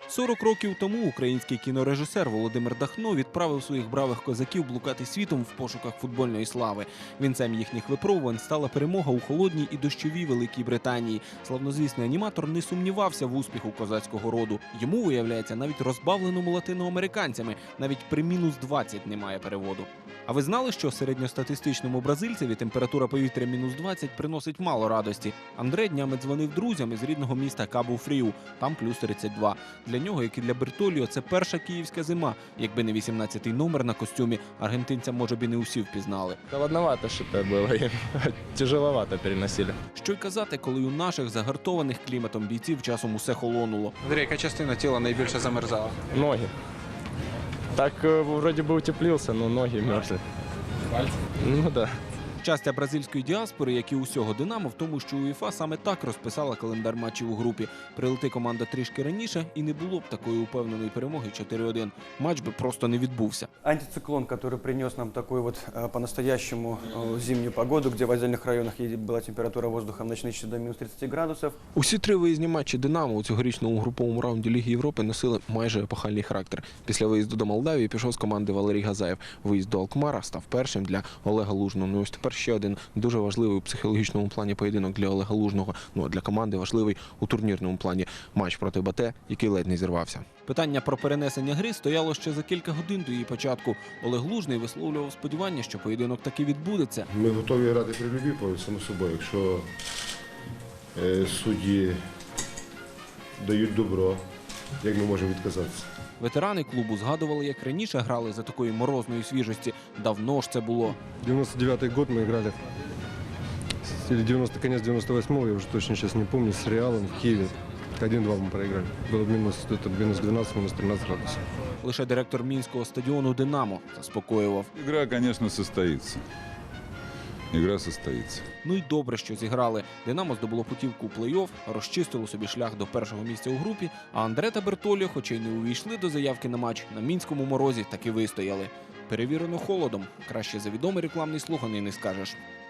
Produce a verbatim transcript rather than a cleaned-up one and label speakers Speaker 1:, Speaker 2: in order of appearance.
Speaker 1: сорок років тому український кінорежисер Володимир Дахно відправив своїх бравих козаків блукати світом в пошуках футбольної слави. Вінцем їхніх випробувань стала перемога у холодній і дощовій Великій Британії. Славнозвісний аніматор не сумнівався в успіху козацького роду. Йому, виявляється, навіть розбавленому латиноамериканцями, навіть при мінус двадцять немає переводу. А ви знали, що середньостатистичному бразильцеві температура повітря мінус двадцять приносить мало радості? Андре днями дзвонив друзям із рідного міста Кабу-Фріу, там плюс тридцять два. Для нього, як і для Бертоліо, це перша київська зима. Якби не вісімнадцятий номер на костюмі, аргентинця, може б, і не усі впізнали.
Speaker 2: Холодновато что-то было, тяжеловато переносили.
Speaker 1: Що й казати, коли у наших загартованих кліматом бійців часом усе холонуло.
Speaker 3: Андрій, яка частина тіла найбільше замерзала?
Speaker 2: Ноги. Так э, вроде бы утеплился, но ноги мерзли. Ну да.
Speaker 1: Щастя бразильської діаспори, як і усього «Динамо», в тому, що УЄФА саме так розписала календар матчів у групі. Прилети команда трішки раніше, і не було б такої упевненої перемоги чотири один. Матч би просто не відбувся.
Speaker 4: Антициклон, который принес нам такую вот э, по-настоящему э, зимнюю погоду, где в отдельных районах е- была температура воздуха в ночные часы до минус тридцати градусов.
Speaker 1: Усі три виїзні матчі «Динамо» у цьогорічному груповому раунді Ліги Європи носили майже епохальний характер. Після виїзду до Молдавії пішов з команди Валерій Газаєв. Виїзд до Алкмара став першим для Олега Лужного. Ну ось тепер ще один дуже важливий у психологічному плані поєдинок для Олега Лужного. Ну а для команди важливий у турнірному плані матч проти БАТЕ, який ледь не зірвався. Питання про перенесення гри стояло ще за кілька годин до її початку. Олег Лужний висловлював сподівання, що поєдинок таки відбудеться.
Speaker 5: Ми готові грати при любій полі, само собою. Якщо е, судді дають добро, як ми можемо відказатися?
Speaker 1: Ветерани клубу згадували, як раніше грали за такої морозної свіжості. Давно ж це було.
Speaker 6: девяносто девятый год мы играли, или девяносто, конец девяносто восьмого, я уже точно сейчас не помню, с Реалом в Киеве. один-два мы проиграли. Было минус, это минус двенадцать, минус тринадцать градусов.
Speaker 1: Лише директор мінського стадіону «Динамо» заспокоював.
Speaker 7: Игра, конечно, состоится. Игра состоится.
Speaker 1: Ну й добре, що зіграли. «Динамо» здобуло путівку у плей-офф, розчистило собі шлях до першого місця у групі, а Андре та Бертоліо, хоча й не увійшли до заявки на матч, на мінському морозі таки вистояли. Перевірено холодом. Краще за відомий рекламний слоган і не скажеш.